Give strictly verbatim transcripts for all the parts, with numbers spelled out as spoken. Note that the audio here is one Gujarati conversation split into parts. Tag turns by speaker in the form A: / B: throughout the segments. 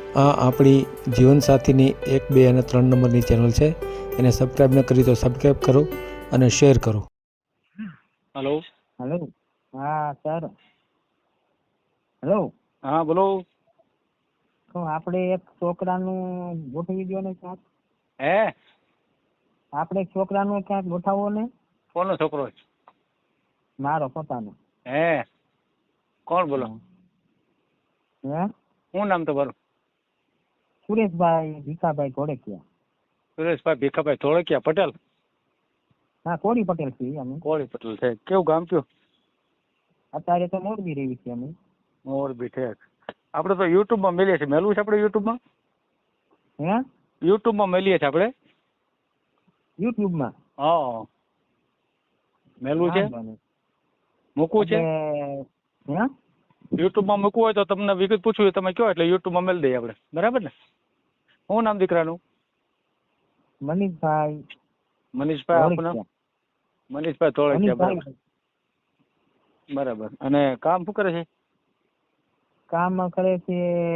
A: આ આપણી જીવનસાથીની એક બે અને ત્રણ નંબરની ચેનલ છે. એને સબસ્ક્રાઈબ ન કરી તો સબસ્ક્રાઈબ કરો અને શેર કરો.
B: હેલો.
C: હેલો. હા સર. હેલો.
B: હા બોલો.
C: તો આપણે એક છોકરાનું ગોઠવી દો ને ક્યાંક.
B: હે
C: આપણે એક છોકરાનું ક્યાંક ગોઠવવો ને.
B: કોનો છોકરો છે?
C: મારો પોતાનો.
B: હે કોણ બોલો?
C: હે
B: શું નામ તમારું?
C: સુરેશભાઈ ભીખાભાઈ ધોળકિયા.
B: સુરેશભાઈ ભીખાભાઈ ધોળકિયા પટેલ?
C: હા કોળી પટેલ છીએ અમે.
B: કોળી પટેલ છે. કેવું ગામ કયું?
C: અત્યારે તો મોરબી રહી છીએ અમે.
B: મોરબી ઠેક. આપણે તો યુટ્યુબમાં મેલીએ છીએ. મેલવું છે આપણે યુટ્યુબમાં?
C: હે
B: યુટ્યુબમાં મેલીએ છીએ આપણે.
C: યુટ્યુબમાં?
B: હા મેલવું છે?
C: વાંધો નહીં.
B: મૂકવું છે?
C: હે
B: યુટ્યુબમાં મૂકવું હોય તો તમને વિગત પૂછવું હોય તમે કહો એટલે યુટ્યુબમાં મેલી દઈએ આપણે. બરાબર ને? શું નામ દીકરાનું?
C: મનીષભાઈ
B: મનીષભાઈ આપનું નામ?
C: ધોળકિયા.
B: મનીષભાઈ ધોળકિયા. બરાબર
C: મનીષભાઈ
B: બરાબર. અને કામ શું કરે છે?
C: કામ કરે છે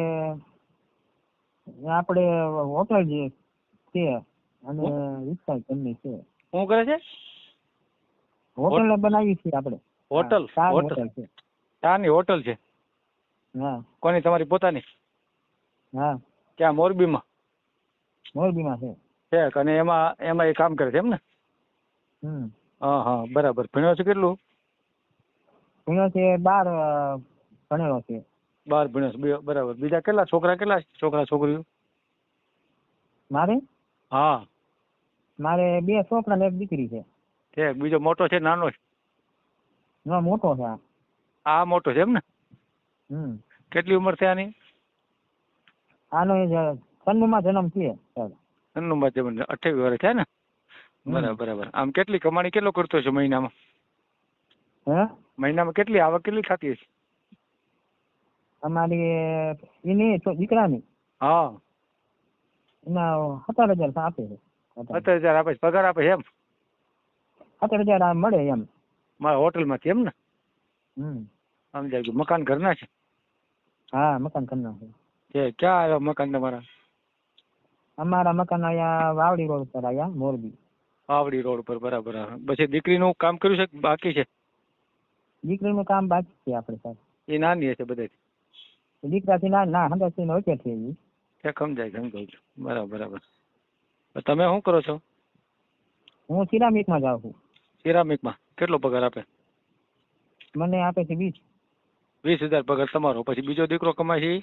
C: આપણે હોટલ જે છે અને રિક્ષા કંપની છે.
B: શું કરે છે?
C: હોટલ બનાવી છે આપણે.
B: હોટલ?
C: ચાર
B: હોટલ
C: હોટલ છે.
B: ચાની હોટલ છે?
C: હા
B: કોની, તમારી પોતાની?
C: હા
B: ક્યાં મોરબીમાં?
C: મોરબીમાં છે.
B: છે અને એમાં એમાં એ કામ કરે છે એમ ને?
C: હમ
B: હા હા બરાબર. ભણ્યો છે કેટલું?
C: ભણ્યો છે બાર ભણેલો છે.
B: બાર ભણ્યો છે. બે- બરાબર. બીજા કેટલા છોકરા કેટલા છે? છોકરા છોકરીઓ?
C: મારે
B: હા
C: મારે બે છોકરા ને એક દીકરી છે.
B: છે. બીજો મોટો છે નાનો છે?
C: ના મોટો છે આ.
B: આ મોટો છે એમ ને?
C: હમ
B: કેટલી ઉંમર છે આની?
C: આનો સન્નુમાં જન્મ છે સર.
B: એમનું બાદ અઠ્યાવીસ વર્ષ છે ને? બરાબર બરાબર. આમ કેટલી કમાણી કેટલો કરતો છે મહિનામાં?
C: હે
B: મહિનામાં કેટલી આવક કેટલી થતી હશે?
C: અમારી એની છો- દીકરાની
B: હા
C: એના સત્તર હજાર આપે છે.
B: સત્તર હજાર આપે છે. પગાર આપે છે એમ?
C: સત્તર હજાર આ મળે એમ.
B: મારા હોટલમાંથી એમ ને?
C: હમ
B: સમજાય ગયું. મકાન ઘરના છે?
C: હા મકાન ઘરના છે.
B: છે. ક્યાં આવ્યા મકાન તમારા?
C: અમારા મકાન અહીંયા વાવડી રોડ પર આવ્યા મોરબી.
B: પાવડી રોડ પર. બરાબર. પછી દીકરીનું કામ કર્યું છે કે બાકી છે?
C: દીકરીનું કામ બાકી છે આપણે સર.
B: એ નાની હશે બધા?
C: દીકરાથી ના ના હંડ્રેડ ને વચ્ચે છે ઈ.
B: છે સમજાય સમજાય ગયું. બરાબર બરાબર. તમે શું કરો છો?
C: હું સિરામિકમાં જાઉં છું.
B: સિરામિકમાં કેટલો પગાર આપે?
C: મને આપે છે વીસ.
B: વીસ હજાર પગાર તમારો. પછી બીજો દીકરો કમાય છે ઈ?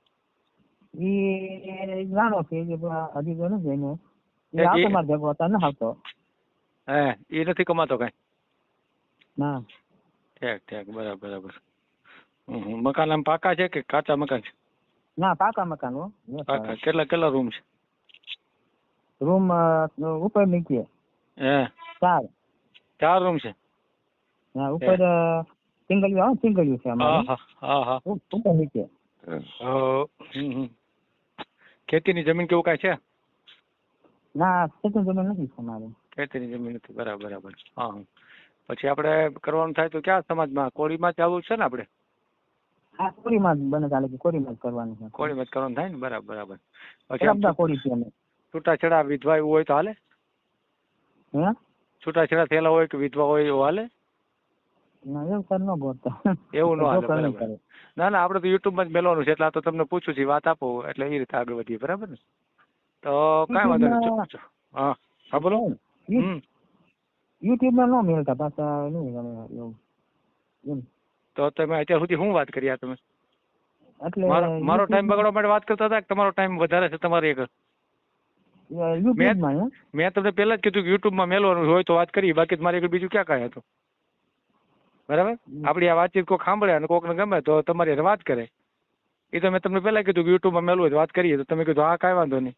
C: ઈ નાનો છે જે હજી તો નથી એને
B: એ-
C: એ આવતો
B: એ-
C: મારે ભેગો હતો ન આવતો.
B: હે એ નથી કમાતો કઈ?
C: ના
B: ઠેક ઠેક. બરાબર બરાબર. હમ, હમ. મકાન આમ પાકા છે કે કાચા મકાન છે?
C: ના પાકા મકાન હો.
B: પાકા. કેટલા કેટલા રૂમ છે?
C: રૂમ ઉપર નીચે
B: હે
C: ચાર.
B: ચાર રૂમ છે?
C: હા ઉપર સિંગલિયું આવે સિંગલિયું છે
B: હા
C: અમારે.
B: હા હા હા.
C: ઉપર નીચે.
B: અ, હમ, હમ. ખેતીની જમીન કેવું કાંઈ છે?
C: ના ખેતી જમીન નથી અમારે.
B: ખેતીની જમીન નથી. બરાબર બરાબર. હા હા. પછી આપણે કરવાનું થાય તો ક્યાં સમાજમાં? કોળીમાં જ આવવું છે ને આપણે?
C: હા કોરીમાં જ બને ચાલે કે કોરીમાં જ કરવાનું છે.
B: કોળીમાં જ કરવાનું થાય ને? બરાબર બરાબર. પછી આમ
C: બધા કોરી છે અમે.
B: છૂટાછેડા વિધવા એવું હોય તો હાલે?
C: હે
B: છૂટાછેડા થયેલા હોય કે વિધવા હોય એવું હાલે?
C: ના એવું સર ન બોલતા.
B: એવું ન હાલે.
C: છોકરા નહીં
B: બરાબર.
C: કરે.
B: ના ના આપણે તો યુટ્યુબમાં જ મેળવાનું છે એટલે આ તો તમને પૂછું છું. વાત આપો એટલે એ રીતે આગળ વધીએ. બરાબર ને? તો કાંઈ વાંધો નહીં.
C: યુટ્યુબમાં-
B: ચો- ચો. હા હા બોલો.
C: યુ-
B: હમ
C: યુટ્યુબમાં ન મેળતા પાછા નહીં ગમે એવું. એમ.
B: તો તમે અત્યાર સુધી શું વાત કરી આ તમે?
C: એટલે
B: મારો મારો ટાઈમ
C: યુટ્યુબમાં-
B: બગાડવા માટે વાત કરતા હતા કે તમારો ટાઈમ વધારે છે તમારી એક?
C: યુટ્યુબમાં હે?
B: મેં તમને પહેલા જ કીધું કે યુટ્યુબમાં મેળવાનું હોય તો વાત કરી. બાકી મારે આગળ બીજું ક્યાં કાંઈ હતું? બરાબર. આપણી આ વાતચીત કોઈક સાંભળે અને કોકને ગમે તો તમારી હારે વાત કરે. એ તો મેં તમને પહેલા કીધું કે યુટ્યુબમાં મેળવું હોય તો વાત કરીએ. તો તમે કીધું હા કાંઈ વાંધો નહીં.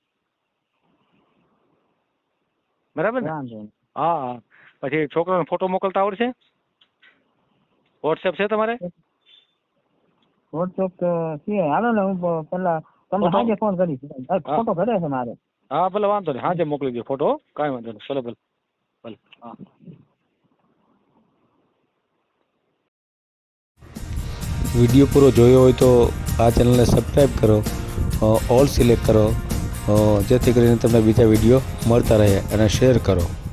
B: બરાબર ને?
C: વાંધો નહીં.
B: હા હા. પછી છોકરાનો ફોટો મોકલતા આવડશે? વોટ્સએપ છે તમારે?
C: વોટ્સએપ તો છે. હાલો ને હું પ- પેલા તમને
B: ફોટો?
C: આજે ફોન કરીશ. અ, ફોટો ઘરે છે મારે.
B: હા ભલે વાંધો નહીં. હાજે મોકલી દો ફોટો. હો. કાંઈ વાંધો નહીં. ભલે ભલે ભલે. હા.
A: વિડીયો પૂરો જોયો હોય તો આ ચેનલને સબસ્ક્રાઈબ કરો ઓલ સિલેક્ટ કરો, અ, જેથી કરીને તમને બીજા વિડીયો મળતા રહે, અને શેર કરો.